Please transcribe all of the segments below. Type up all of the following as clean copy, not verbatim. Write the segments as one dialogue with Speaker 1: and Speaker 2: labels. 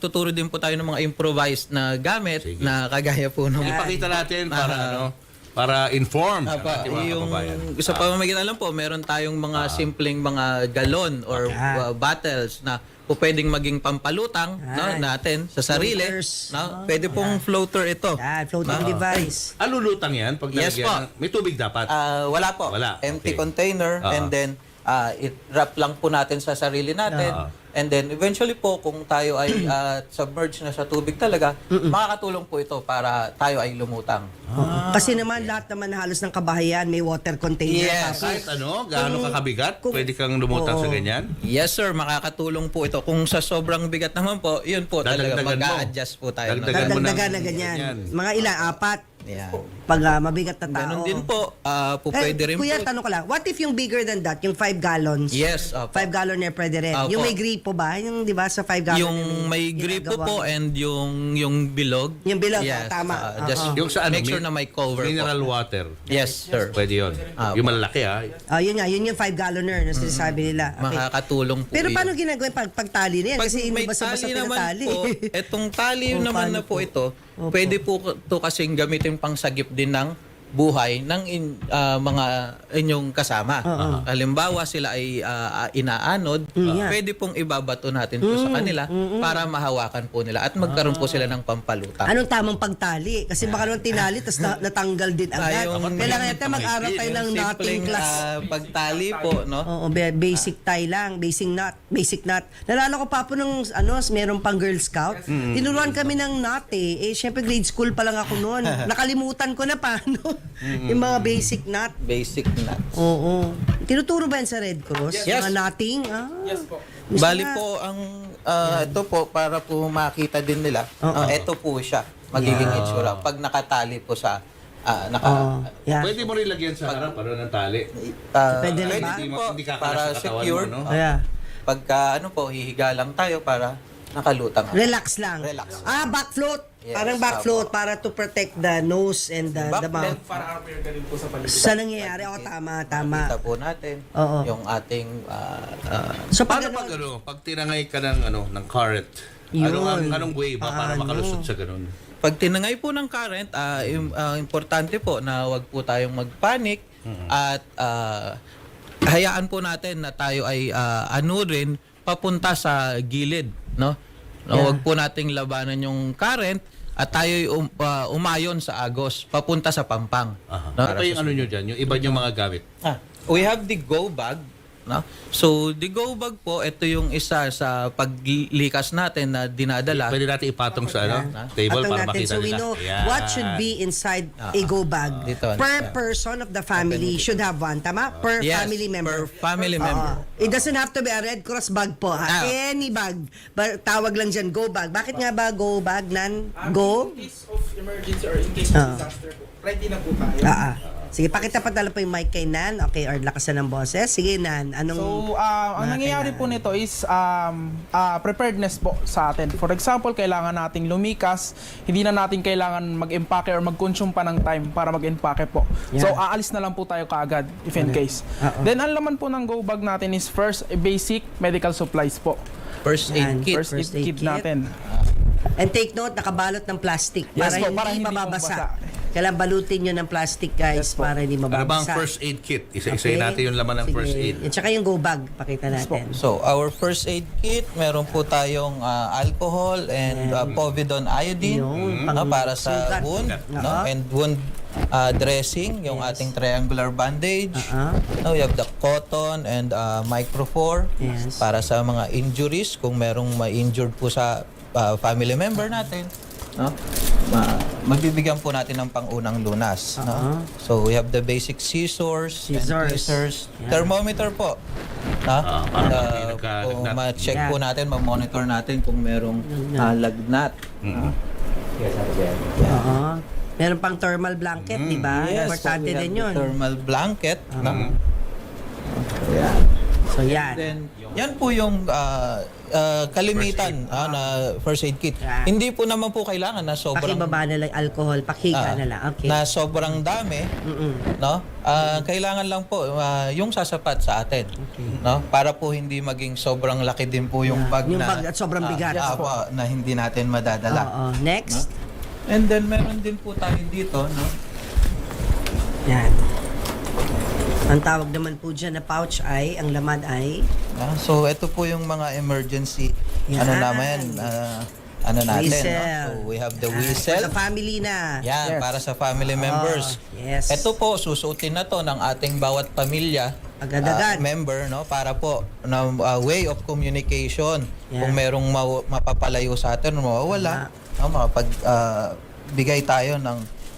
Speaker 1: Tuturo din po tayo ng mga improvised na gamit na kagaya po ng
Speaker 2: Ipakita natin para para inform ang
Speaker 1: Apa,
Speaker 2: ating mga
Speaker 1: yung
Speaker 2: kababayan.
Speaker 1: sa pamamagitan lang po, meron tayong mga simpleng mga galon or bottles na po pwedeng maging pampalutang natin sa sarili.
Speaker 3: Floaters.
Speaker 1: Pwede pong floater ito.
Speaker 3: Floating device.
Speaker 2: Lulutang yan pag
Speaker 1: Yes
Speaker 2: nalagyan may tubig dapat.
Speaker 1: Wala po.
Speaker 2: Wala.
Speaker 1: Empty
Speaker 2: Okay.
Speaker 1: container and then i-wrap lang po natin sa sarili natin. And then eventually po kung tayo ay submerged na sa tubig talaga, makakatulong po ito para tayo ay lumutang.
Speaker 3: Kasi naman lahat naman halos ng kabahayan may water container.
Speaker 1: Yes.
Speaker 2: Kahit gaano kakabigat, pwede kang lumutang sa ganyan.
Speaker 1: Yes sir, makakatulong po ito. Kung sa sobrang bigat naman po, yun po talaga
Speaker 2: Dadagdagan mo.
Speaker 1: mag-a-adjust po tayo.
Speaker 2: Dagdagan mo ng
Speaker 3: Dadagdagan na ganyan. Mga ilan? 4?
Speaker 1: Yan.
Speaker 3: Pag mabigat na tao.
Speaker 1: Ganun din po. Pwede rin
Speaker 3: Kuya,
Speaker 1: po.
Speaker 3: tanong ko lang. What if yung bigger than that? Yung 5 gallons?
Speaker 1: Yes. Opo.
Speaker 3: 5 gallon na pwede rin.
Speaker 1: Opo.
Speaker 3: Yung may gripo ba? Yung di ba sa 5 gallon?
Speaker 1: Yung may gripo po and yung bilog.
Speaker 3: Yung bilog,
Speaker 1: yes.
Speaker 3: tama.
Speaker 1: Just
Speaker 2: Yung sa
Speaker 1: make sure na may cover
Speaker 2: mineral
Speaker 1: po.
Speaker 2: water.
Speaker 1: Yes, sir.
Speaker 2: Pwede yun. Yung malalaki
Speaker 3: Yun nga, yun yung 5 galloner na sinasabi nila. Okay.
Speaker 1: Makakatulong po
Speaker 3: Pero
Speaker 1: yun.
Speaker 3: paano ginagawa yung pagtali na yan?
Speaker 1: Pag
Speaker 3: Kasi
Speaker 1: may
Speaker 3: basta-basta
Speaker 1: tali naman
Speaker 3: pinatali.
Speaker 1: po, etong tali naman
Speaker 3: paano
Speaker 1: na po
Speaker 3: po?
Speaker 1: ito, pwede po ito kasing gamitin pang sagip din ng buhay ng mga inyong kasama. Halimbawa sila ay inaanod, pwede pong ibabato natin po sa kanila para mahawakan po nila at magkaroon po sila ng pampalutang.
Speaker 3: Anong tamang pagtali? Kasi baka naman tinali tapos natanggal din agad. Kailangan natin mag-aral tayo ng knotting
Speaker 1: Simpleng,
Speaker 3: class.
Speaker 1: pagtali po, no?
Speaker 3: Oo, basic tie lang, basic knot. Nalala ko pa po nung meron pang Girl Scout. Tinuruan kami ng knot eh. Syempre grade school pa lang ako noon. Nakalimutan ko na paano. Yung mga basic knot.
Speaker 1: Basic nuts.
Speaker 3: Oo. Tinuturo ba yan sa Red Cross?
Speaker 1: Yes.
Speaker 3: Mga knotting?
Speaker 4: Yes po.
Speaker 1: Bali po ang ito po para po makita din nila. Ito po siya magiging itsura pag nakatali po sa
Speaker 3: Yeah.
Speaker 2: Pwede mo rin lagyan sa harap para ng tali.
Speaker 3: Pwede na ba?
Speaker 1: din po
Speaker 2: Hindi kakalas
Speaker 1: para
Speaker 2: sa katawan
Speaker 1: secured.
Speaker 2: mo, no?
Speaker 3: Yeah.
Speaker 1: Pagka hihiga lang tayo para nakalutang.
Speaker 3: Relax lang.
Speaker 1: Relax.
Speaker 3: Back float.
Speaker 1: Yes,
Speaker 3: Parang back float para to protect the nose and the mouth.
Speaker 4: Para appear ka din po sa paligid.
Speaker 3: Sa nangyayari, tama.
Speaker 1: Kita po natin
Speaker 3: Oo.
Speaker 1: yung ating
Speaker 3: So
Speaker 2: Paano
Speaker 3: pag
Speaker 2: pag tinangay ka ng current? Anong way ba para makalusot sa ganun?
Speaker 1: pag tinangay po ng current, importante po na wag po tayong magpanic at hayaan po natin na tayo ay anurin papunta sa gilid, no? Wag po nating labanan yung current at tayo umayon sa agos papunta sa pampang. No?
Speaker 2: Ano yung nyo dyan? Yung iba yung mga gamit?
Speaker 1: We have the go bag. No? So, the go bag po, ito yung isa sa paglikas natin na dinadala.
Speaker 2: Pwede natin ipatong sa table para
Speaker 3: natin
Speaker 2: makita
Speaker 3: so we
Speaker 2: nila.
Speaker 3: know
Speaker 2: Ayan.
Speaker 3: what should be inside a go bag.
Speaker 1: Dito.
Speaker 3: Per person of the family should have one, tama? Per
Speaker 1: Yes,
Speaker 3: family member.
Speaker 1: per family member.
Speaker 3: It doesn't have to be a Red Cross bag po. Any bag. Tawag lang dyan, go bag. Bakit nga ba go bag, Nan? Go?
Speaker 4: In case of emergency or in case of disaster po, ready na po tayo.
Speaker 3: Sige, pakita pa po yung mic kay Nan. Okay, or lakasan ng boses. Sige, Nan. Anong...
Speaker 4: So, ang nangyayari po nito is preparedness po sa atin. For example, kailangan nating lumikas, hindi na natin kailangan mag-impake or mag-consume pa ng time para mag-impake po.
Speaker 3: Yeah.
Speaker 4: So, aalis na lang po tayo kaagad if in case. Then, ang laman po ng go bag natin is first, basic medical supplies po.
Speaker 1: First aid
Speaker 3: Yan.
Speaker 1: kit.
Speaker 4: First aid kit natin.
Speaker 3: And take note, nakabalot ng plastic
Speaker 4: Yes
Speaker 3: para
Speaker 4: po, para
Speaker 3: hindi
Speaker 4: hindi
Speaker 3: mababasa.
Speaker 4: mabasa.
Speaker 3: Kailangan balutin nyo ng plastic, guys, para hindi
Speaker 2: Ano ba ang
Speaker 3: mababasa.
Speaker 2: first aid kit? Isa-isayin natin yung laman ng
Speaker 3: Sige.
Speaker 2: first aid.
Speaker 3: At saka yung go bag, pakita natin.
Speaker 1: So, our first aid kit, meron po tayong alcohol and povidone iodine para sa
Speaker 3: sugat.
Speaker 1: wound, no? And wound dressing, yung ating triangular bandage. No, we have the cotton and microphor
Speaker 3: Yes.
Speaker 1: para sa mga injuries kung merong ma-injured po sa family member natin. No? Magbibigyan po natin ng pangunang lunas. No? So, we have the basic scissors. And tweezers. Thermometer po.
Speaker 2: para hindi
Speaker 1: Kung
Speaker 2: nagkalagnat.
Speaker 1: ma-check po natin, ma-monitor natin kung merong lagnat.
Speaker 3: Oo. Meron pang thermal blanket, di ba? Importante
Speaker 1: we have
Speaker 3: din
Speaker 1: the
Speaker 3: yun.
Speaker 1: thermal blanket. No?
Speaker 3: So, yan.
Speaker 1: Then, yan po yung kalimitan na first aid kit.
Speaker 3: Yeah.
Speaker 1: Hindi po naman po kailangan na sobrang
Speaker 3: Pakibaba na lang alcohol, pakika na lang. Okay.
Speaker 1: na sobrang dami, no? Kailangan lang po yung sasapat sa atin, no? Para po hindi maging sobrang laki din po yung bag
Speaker 3: Yung
Speaker 1: na
Speaker 3: bag at sobrang bigat.
Speaker 1: na hindi natin madadala.
Speaker 3: Oo. Next.
Speaker 1: And then meron din po tayo dito, no?
Speaker 3: Yan. Ang tawag naman po dyan na pouch ay, ang laman ay,
Speaker 1: So ito po yung mga emergency
Speaker 3: Yan.
Speaker 1: natin,
Speaker 3: whistle.
Speaker 1: no? So we have the
Speaker 3: For
Speaker 1: whistle.
Speaker 3: the family na.
Speaker 1: Yan,
Speaker 4: Yes.
Speaker 1: para sa family members.
Speaker 3: Yes.
Speaker 1: Ito po, susuotin na to ng ating bawat pamilya,
Speaker 3: Agad-agad.
Speaker 1: member, no? Para po, na way of communication.
Speaker 3: Yeah.
Speaker 1: Kung merong mapapalayo sa atin, mawawala, no? Bigay tayo ng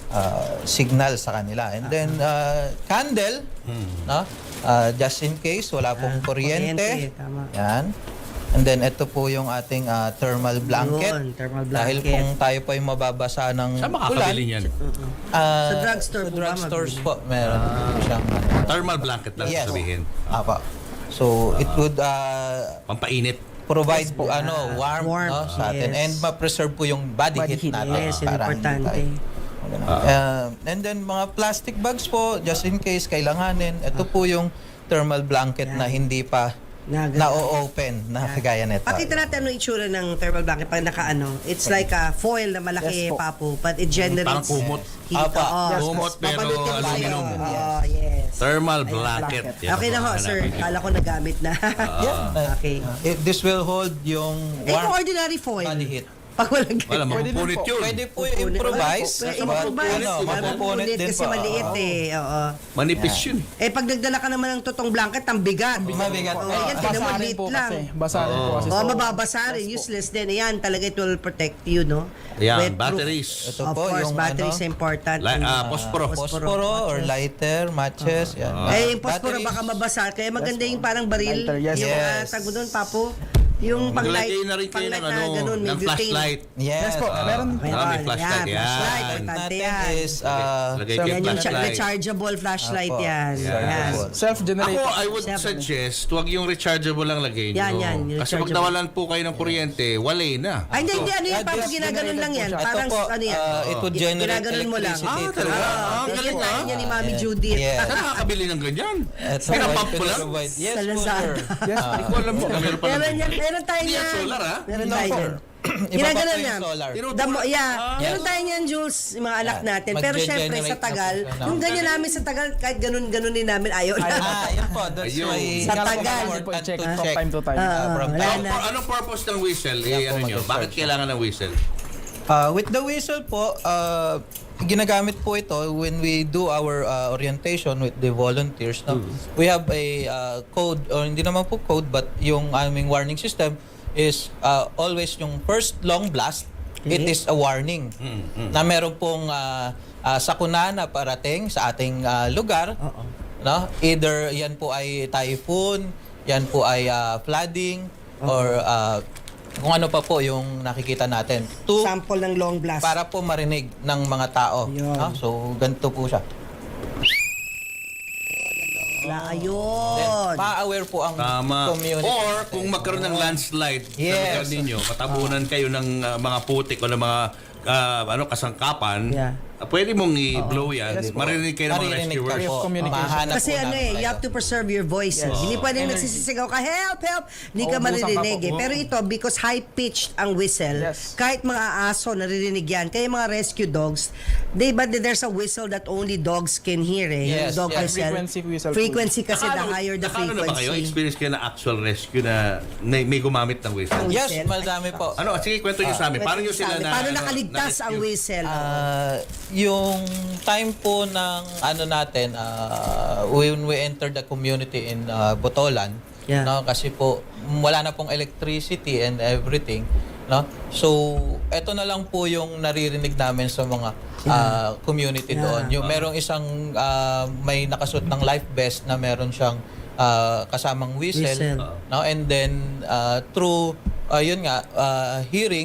Speaker 1: signal sa kanila. And then, candle, no? Just in case, wala pong kuryente.
Speaker 3: Tama.
Speaker 1: Yan. And then, ito po yung ating thermal blanket.
Speaker 3: Yun, thermal
Speaker 1: Dahil
Speaker 3: blanket.
Speaker 1: kung tayo po ay mababasa ng
Speaker 2: Saan makakabili niyan?
Speaker 3: Sa drugstore
Speaker 1: Sa
Speaker 3: po ba
Speaker 1: drugstores
Speaker 3: mabibili?
Speaker 1: po, meron po siyang
Speaker 2: Thermal blanket lang
Speaker 1: Yes.
Speaker 2: sabihin.
Speaker 1: Apa. So, it would
Speaker 2: Pampainit.
Speaker 1: provide po warm,
Speaker 3: Warm,
Speaker 1: no, sa atin.
Speaker 3: yes.
Speaker 1: And ma-preserve po yung body,
Speaker 4: Body
Speaker 1: heat
Speaker 4: heat,
Speaker 1: natin.
Speaker 3: yes, yun
Speaker 1: para hindi
Speaker 3: importante.
Speaker 1: tayo- and then, mga plastic bags po, just in case kailanganin. Ito po yung thermal blanket na hindi pa na-open na kagaya nito.
Speaker 3: Pakita natin ano itsura ng thermal blanket pag nakaano. It's like a foil na malaki,
Speaker 4: Yes po.
Speaker 3: papo, but it generates
Speaker 2: Parang kumot.
Speaker 3: heat.
Speaker 1: Apa.
Speaker 3: Oo.
Speaker 2: Kumot, pero
Speaker 3: Papalutin tayo.
Speaker 2: aluminum.
Speaker 3: Oo, yes.
Speaker 2: Thermal blanket. Yan
Speaker 3: Okay na
Speaker 2: ang
Speaker 3: ho,
Speaker 2: hanapin
Speaker 3: sir.
Speaker 2: niyo.
Speaker 3: Kala ko nagamit na. Okay.
Speaker 1: This will hold yung
Speaker 3: Eh, kung
Speaker 1: warm
Speaker 3: ordinary foil.
Speaker 1: body heat.
Speaker 3: Pag walang
Speaker 2: Wala,
Speaker 4: Pwede din
Speaker 2: mapupunit
Speaker 4: po.
Speaker 2: yun.
Speaker 1: Pwede po improvise.
Speaker 3: Pwede
Speaker 1: But,
Speaker 3: improvise.
Speaker 1: mapupunit din
Speaker 3: kasi
Speaker 1: po.
Speaker 3: maliit eh. Oo.
Speaker 2: Manipis yun.
Speaker 3: Eh, pag nagdala ka naman ng totoong blanket, ang bigat.
Speaker 1: Mabigat.
Speaker 3: Oo, yan, tinan mo,
Speaker 4: Basa rin
Speaker 3: liit
Speaker 4: po
Speaker 3: lang.
Speaker 4: kasi. Basa rin po kasi.
Speaker 3: Oh,
Speaker 4: So,
Speaker 3: mababasa rin. Useless din. Ayan, talaga it will protect you, no?
Speaker 2: Ayan,
Speaker 3: Wetproof.
Speaker 2: batteries.
Speaker 1: Ito
Speaker 3: Of
Speaker 1: po,
Speaker 3: course,
Speaker 1: yung
Speaker 3: batteries
Speaker 1: ano,
Speaker 3: important.
Speaker 2: Posporo.
Speaker 1: Posporo or lighter, matches. Yan.
Speaker 3: Eh, yung posporo
Speaker 1: Batteries.
Speaker 3: baka mabasa. Kaya maganda yung parang baril.
Speaker 4: Lighter, yes.
Speaker 3: Yung
Speaker 1: Yes.
Speaker 3: tag mo doon, papo. Yung pang-light.
Speaker 2: Maglagay na rin kayo ng,
Speaker 3: na ganun, may
Speaker 2: ng
Speaker 3: butane.
Speaker 2: flashlight.
Speaker 1: Yes.
Speaker 4: po, meron.
Speaker 2: May flashlight.
Speaker 3: Yan, flashlight.
Speaker 2: Yan.
Speaker 3: Importante
Speaker 1: Natin
Speaker 3: yan.
Speaker 1: is
Speaker 2: Lagay
Speaker 4: So,
Speaker 2: kayo
Speaker 3: Yan yung
Speaker 2: flashlight.
Speaker 3: rechargeable flashlight
Speaker 1: Apo.
Speaker 3: yan.
Speaker 2: Yan.
Speaker 3: Yan.
Speaker 4: self-generated.
Speaker 2: Ako, I would suggest, huwag yung rechargeable lang lagay nyo.
Speaker 3: Yan, yan, yung
Speaker 2: Kasi pag
Speaker 3: rechargeable.
Speaker 2: nawalan po kayo ng kuryente, walay na.
Speaker 3: Ay, hindi, ano yung papo
Speaker 1: just
Speaker 3: ginaganon lang yan.
Speaker 4: generated po
Speaker 3: Parang,
Speaker 1: Ito po,
Speaker 3: ano yan.
Speaker 1: it would generate
Speaker 3: Ginaganon mo lang.
Speaker 1: electricity.
Speaker 2: talaga?
Speaker 3: Yan
Speaker 2: Galing
Speaker 3: tayo niya ni Mami Judith.
Speaker 1: Yes.
Speaker 2: Saan nakakabili ng ganyan?
Speaker 1: Ito
Speaker 2: Pinapump
Speaker 1: po,
Speaker 2: mo lang?
Speaker 1: provide- Yes,
Speaker 3: Sa
Speaker 1: po,
Speaker 3: Lazada.
Speaker 1: sir.
Speaker 4: Yes,
Speaker 2: Hindi ko alam mo. Meron pa
Speaker 3: Meron
Speaker 2: lang.
Speaker 3: yan, meron tayo
Speaker 2: Hindi yan
Speaker 3: niyan.
Speaker 2: solar, ha?
Speaker 3: Meron
Speaker 1: No,
Speaker 3: tayo
Speaker 1: sir.
Speaker 3: niyan.
Speaker 1: Iba pa
Speaker 3: Ginaganon
Speaker 1: po
Speaker 3: niya.
Speaker 1: yung solar.
Speaker 3: Meron tayo niyan, Jules, yung mga anak natin. Pero syempre, sa
Speaker 1: Mag-generate
Speaker 3: tagal,
Speaker 1: na po siya
Speaker 3: kung
Speaker 1: ng-
Speaker 3: ganyan namin sa tagal, kahit ganun din namin, ayaw na.
Speaker 1: Yun po. That's
Speaker 2: Ayun.
Speaker 1: why
Speaker 3: Sa tagal.
Speaker 1: important
Speaker 4: Check
Speaker 1: to
Speaker 4: from
Speaker 1: check.
Speaker 4: time to time.
Speaker 1: From
Speaker 3: wala
Speaker 1: time.
Speaker 3: na.
Speaker 2: Anong purpose ng whistle?
Speaker 1: Yan po,
Speaker 2: Ano nyo?
Speaker 1: mag-search
Speaker 2: Bakit
Speaker 1: siya.
Speaker 2: kailangan ng whistle?
Speaker 1: With the whistle po, ginagamit po ito when we do our orientation with the volunteers. No? We have a code, or hindi naman po code, but yung aming warning system is always yung first long blast, it is a warning na meron pong sakuna na parating sa ating lugar. No? Either yan po ay typhoon, yan po ay flooding, or kung ano pa po yung nakikita natin.
Speaker 3: Sample ng long blast.
Speaker 1: Para po marinig ng mga tao.
Speaker 3: Yun.
Speaker 1: No? So, ganito po siya.
Speaker 3: Ayun.
Speaker 1: Then, ma-aware po ang
Speaker 2: Tama.
Speaker 1: community.
Speaker 2: Or kung magkaroon ng landslide sa
Speaker 1: Yes.
Speaker 2: lugar ninyo, matabunan kayo ng mga putik o ng mga kasangkapan,
Speaker 3: Yeah.
Speaker 2: pwede mong i-blow yan.
Speaker 4: Yes po.
Speaker 2: Marinig kayo ng mga
Speaker 1: Maririnig ka
Speaker 2: rescuers.
Speaker 1: po.
Speaker 4: communication.
Speaker 1: Mahanap
Speaker 3: Kasi
Speaker 1: po
Speaker 3: ano
Speaker 1: namin
Speaker 3: you
Speaker 1: kayo.
Speaker 3: have to preserve your voice. Hindi pwedeng nagsisisigaw ka, help, help. Hindi ka
Speaker 4: Uubusan
Speaker 3: maririnig
Speaker 4: ka po.
Speaker 3: Pero ito, because high-pitched ang whistle,
Speaker 4: Yes.
Speaker 3: kahit mga aso, naririnig yan. Kaya mga rescue dogs, but there's a whistle that only dogs can hear eh.
Speaker 1: Yes,
Speaker 3: Yung dog
Speaker 1: yes.
Speaker 3: whistle.
Speaker 4: Frequency whistle.
Speaker 3: Frequency kasi the higher the
Speaker 2: Nakano na ba kayo?
Speaker 3: frequency.
Speaker 2: Experience kayo na actual rescue na may gumamit ng whistle?
Speaker 1: Yes,
Speaker 3: whistle.
Speaker 1: madami po.
Speaker 2: Ano? Sige, kwento nyo sa amin. Paano nyo sila na...
Speaker 3: Paano nakaligtas ang whistle?
Speaker 1: Yung time po ng ano natin, when we entered the community in Botolan,
Speaker 3: Yeah.
Speaker 1: no, kasi po wala na pong electricity and everything, no? So, eto na lang po yung naririnig namin sa mga community doon. Yung merong isang may nakasuot ng life vest na meron siyang kasamang whistle,
Speaker 3: Whistle.
Speaker 1: no? And then through yun nga hearing,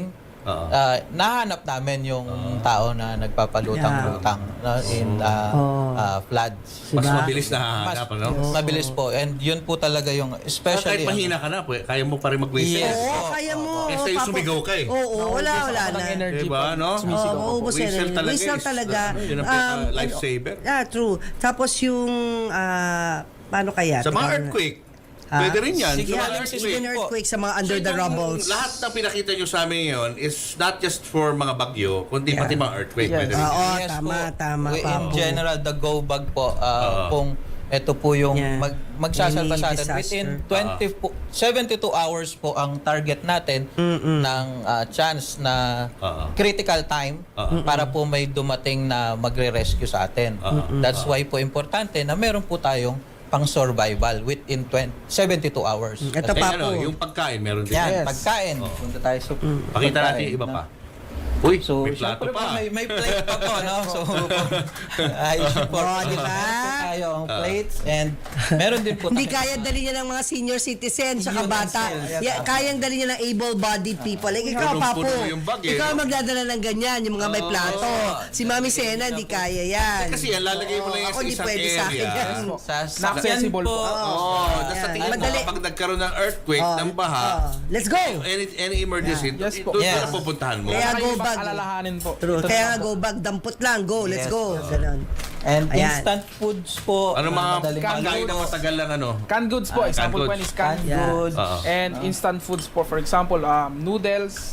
Speaker 1: nahanap namin yung tao na nagpapalutang-lutang in floods.
Speaker 2: Mas
Speaker 3: Diba?
Speaker 2: mabilis na hahanap, ano?
Speaker 1: Mabilis po. And yun po talaga yung
Speaker 2: Kahit
Speaker 1: especially
Speaker 2: mahina ka na, kaya mo pa rin mag-whistle.
Speaker 1: Yes.
Speaker 3: Oo, kaya mo.
Speaker 2: Kesa yung
Speaker 3: Papo.
Speaker 2: sumigaw ka eh.
Speaker 3: Oo, wala
Speaker 4: Walang
Speaker 3: na.
Speaker 4: energy
Speaker 2: Diba,
Speaker 4: po.
Speaker 2: no?
Speaker 4: Sumisigaw
Speaker 3: Oo,
Speaker 4: po.
Speaker 3: maubos
Speaker 2: Whistle
Speaker 3: yan.
Speaker 2: talaga
Speaker 3: Whistle
Speaker 2: is-
Speaker 3: talaga.
Speaker 2: yun ang lifesaver.
Speaker 3: Yeah, true. Tapos yung, paano kaya?
Speaker 2: Sa mga
Speaker 3: Teka,
Speaker 2: earthquake, pwede rin yan.
Speaker 1: Sige,
Speaker 2: Sa mga
Speaker 3: Yeah,
Speaker 1: earthquake.
Speaker 3: even earthquake sa mga under the
Speaker 2: So, itong
Speaker 3: rubbles.
Speaker 2: Lahat ng pinakita nyo sa amin ngayon is not just for mga bagyo, kundi pati mga earthquake.
Speaker 4: Yes.
Speaker 2: Pwede rin.
Speaker 3: Oo,
Speaker 1: Yes
Speaker 3: tama,
Speaker 1: po.
Speaker 3: tama.
Speaker 1: In
Speaker 3: Papo.
Speaker 1: general, the go bag po, kung ito po yung
Speaker 3: Yeah.
Speaker 1: magsasalba sa
Speaker 3: Any
Speaker 1: atin. Within
Speaker 3: disaster.
Speaker 1: 72 hours po ang target natin ng chance na critical time para po may dumating na magre-rescue sa atin. That's why po importante na meron po tayong pang-survival within 72 hours.
Speaker 3: Ito
Speaker 2: Eh,
Speaker 3: pa
Speaker 2: ano,
Speaker 3: po.
Speaker 2: yung pagkain, meron din.
Speaker 1: Yan,
Speaker 4: Yes.
Speaker 1: pagkain. Punta tayo sa
Speaker 2: Pakita natin
Speaker 1: pagkain,
Speaker 2: yung iba
Speaker 1: no?
Speaker 2: pa. Uy,
Speaker 1: So,
Speaker 2: may plato
Speaker 1: syempre po,
Speaker 2: pa.
Speaker 1: may plate pa po, no? So, ay, po.
Speaker 3: Oh, di ba?
Speaker 1: Tayo ang plates and meron din po
Speaker 3: Hindi
Speaker 1: tayo-
Speaker 3: kaya dali niya ng mga senior citizen tsaka bata.
Speaker 1: Yes.
Speaker 3: Kayang dali niya ng able-bodied people. Like ikaw, Papo.
Speaker 2: Punong-puno yung bag, eh,
Speaker 3: Ikaw
Speaker 2: no?
Speaker 3: magdadala ng ganyan, yung mga may plato. Si Mami Sena, hindi kaya yan.
Speaker 2: Kasi yan, lalagay mo lang yan
Speaker 3: Ako,
Speaker 2: sa
Speaker 3: hindi
Speaker 2: isang
Speaker 3: pwede sa akin
Speaker 2: area.
Speaker 3: yan.
Speaker 1: sa
Speaker 4: Na-accessible
Speaker 1: sakyan
Speaker 4: po.
Speaker 2: Tapos sa
Speaker 3: Yan.
Speaker 2: tingin mo,
Speaker 3: Madali.
Speaker 2: pag nagkaroon ng earthquake, ng baha,
Speaker 3: Let's go!
Speaker 2: any emergency,
Speaker 4: Yes po.
Speaker 2: doon
Speaker 1: Yes.
Speaker 2: na pupuntahan mo.
Speaker 3: Kaya
Speaker 4: Kaya
Speaker 3: go
Speaker 4: go
Speaker 3: bag.
Speaker 4: alalahanin po.
Speaker 3: True. Kaya nga go bag, dampot lang. Go, let's
Speaker 1: Yes.
Speaker 3: go. Ganon.
Speaker 1: And
Speaker 3: Ayan.
Speaker 1: instant foods po.
Speaker 2: Ano mga
Speaker 1: madaling
Speaker 2: pagkain na
Speaker 1: maluto.
Speaker 2: matagal lang ano?
Speaker 4: Canned goods po. Example
Speaker 2: canned
Speaker 4: po
Speaker 2: goods.
Speaker 4: is canned
Speaker 1: Canned goods.
Speaker 2: Oo.
Speaker 4: and instant foods po. For example, noodles,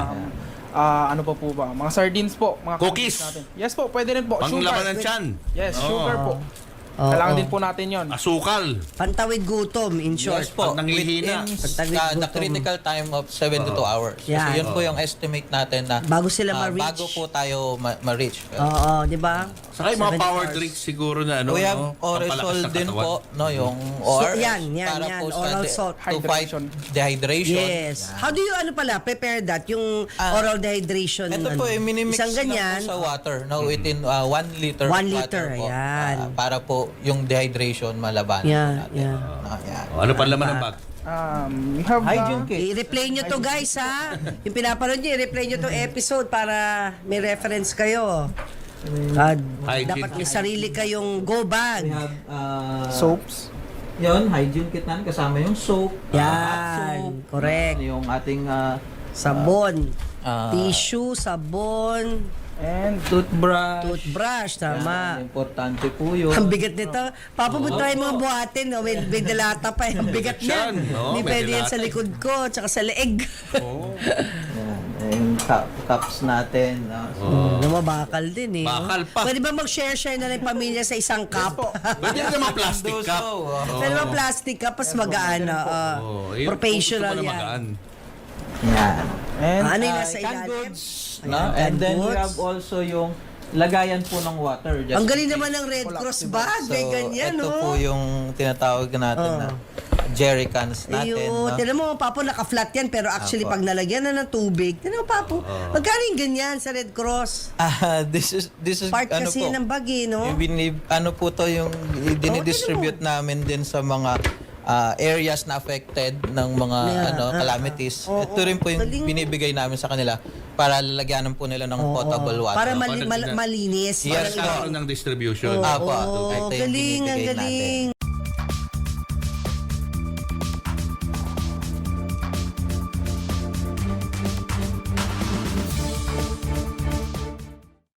Speaker 4: ano pa po ba? Mga sardines po. Mga
Speaker 2: Cookies.
Speaker 4: natin. Yes po, pwede rin po.
Speaker 2: Panglaban ng tiyan.
Speaker 4: Yes,
Speaker 2: Oo.
Speaker 4: sugar po.
Speaker 3: Oo.
Speaker 4: Kailangan din po natin yon.
Speaker 2: Asukal.
Speaker 3: Pantawid gutom, in short.
Speaker 1: Yes po.
Speaker 2: Pag nanghihina.
Speaker 1: Within
Speaker 3: Pagtawid
Speaker 1: the
Speaker 3: gutom.
Speaker 1: critical time of 72 hours.
Speaker 3: Yan.
Speaker 1: Kasi yun po yung estimate natin na
Speaker 3: Bago sila ma-reach.
Speaker 1: bago po tayo ma-reach.
Speaker 3: Oo, di ba?
Speaker 2: Saka yung mga
Speaker 3: 70
Speaker 2: power
Speaker 3: hours.
Speaker 2: drinks siguro na ano,
Speaker 1: We have
Speaker 2: no?
Speaker 1: oral
Speaker 2: Pampalakas ng
Speaker 1: din
Speaker 2: katawan.
Speaker 1: po, no, yung
Speaker 3: So,
Speaker 1: ORS
Speaker 3: yan,
Speaker 1: para po sa
Speaker 3: oral salt.
Speaker 1: to fight
Speaker 4: Hydration.
Speaker 1: dehydration.
Speaker 3: Yes. How do you prepare that? Yung oral dehydration.
Speaker 1: Ito po, minimix
Speaker 3: isang
Speaker 1: lang
Speaker 3: ganyan.
Speaker 1: po sa water, no, within 1 liter
Speaker 3: 1
Speaker 1: of
Speaker 3: liter,
Speaker 1: water po,
Speaker 3: ayan.
Speaker 1: para po yung dehydration malabanan
Speaker 3: Yeah,
Speaker 1: po natin.
Speaker 3: yeah.
Speaker 1: No, yan.
Speaker 2: Ano pa laman ng bag?
Speaker 4: We have
Speaker 1: Hygiene kit.
Speaker 3: I-replay nyo to guys ha. Yung pinapanood nyo, i-replay nyo to episode para may reference kayo.
Speaker 2: Hygiene
Speaker 3: Dapat may
Speaker 2: kit.
Speaker 3: sarili kayong go bag.
Speaker 1: We have
Speaker 4: soaps.
Speaker 1: yun, hygiene kit natin kasama yung soap,
Speaker 3: Yan, correct.
Speaker 1: yung ating
Speaker 3: Sabon.
Speaker 1: Ah.
Speaker 3: Tissue, sabon,
Speaker 4: And
Speaker 1: toothbrush.
Speaker 3: toothbrush, tama.
Speaker 1: Yan, importante po yun.
Speaker 3: Ang bigat nito. Papa, mo try mga buhatin. No? May dalata pa. Ang bigat
Speaker 2: Yan,
Speaker 3: niyan.
Speaker 2: no?
Speaker 3: Hindi
Speaker 2: May
Speaker 3: pwede yan
Speaker 2: dalata.
Speaker 3: sa likod ko, tsaka sa leeg.
Speaker 1: Yan, yung cups natin.
Speaker 3: Namabakal din eh.
Speaker 2: Bakal pa.
Speaker 3: Pwede ba mag-share-share na lang yung pamilya sa isang cup?
Speaker 2: Pwede rin naman plastic
Speaker 1: Those,
Speaker 2: cup.
Speaker 1: oh,
Speaker 3: Pwede ba plastic cup, pas magaan.
Speaker 2: Yung
Speaker 3: Professional
Speaker 2: gusto mo na
Speaker 3: yan.
Speaker 2: magaan.
Speaker 1: Yan.
Speaker 4: and
Speaker 3: Ano yung nasa
Speaker 1: Canned
Speaker 3: ilalim?
Speaker 1: goods.
Speaker 3: Ayan,
Speaker 1: No? And
Speaker 3: canned
Speaker 1: then we
Speaker 3: goods.
Speaker 1: have also yung lagayan po ng water. Just
Speaker 3: Ang galing
Speaker 1: in
Speaker 3: naman
Speaker 1: case.
Speaker 3: ng Red Cross bag. May ganyan,
Speaker 1: ito
Speaker 3: no?
Speaker 1: po yung tinatawag natin na jerry cans natin.
Speaker 3: Ayun.
Speaker 1: No?
Speaker 3: Tinan mo, Papo, naka-flat yan. Pero actually,
Speaker 1: Apo.
Speaker 3: pag nalagyan na ng tubig, tinan mo, Papo, magkano yung ganyan sa Red Cross?
Speaker 1: This is
Speaker 3: Part
Speaker 1: ano
Speaker 3: kasi
Speaker 1: po,
Speaker 3: ng bag eh, no?
Speaker 1: ano po to yung dinidistribute namin din sa mga areas na affected ng mga calamities.
Speaker 3: Oo,
Speaker 1: Ito rin po yung
Speaker 3: galing.
Speaker 1: binibigay namin sa kanila para lalagyanan po nila ng potable water.
Speaker 3: Para
Speaker 2: Para
Speaker 3: malinis.
Speaker 1: Yes,
Speaker 2: Para nagkaroon ng distribution.
Speaker 1: Apo.
Speaker 3: Oo,
Speaker 1: Ito yung
Speaker 3: galing, ang
Speaker 1: binibigay natin.
Speaker 3: galing.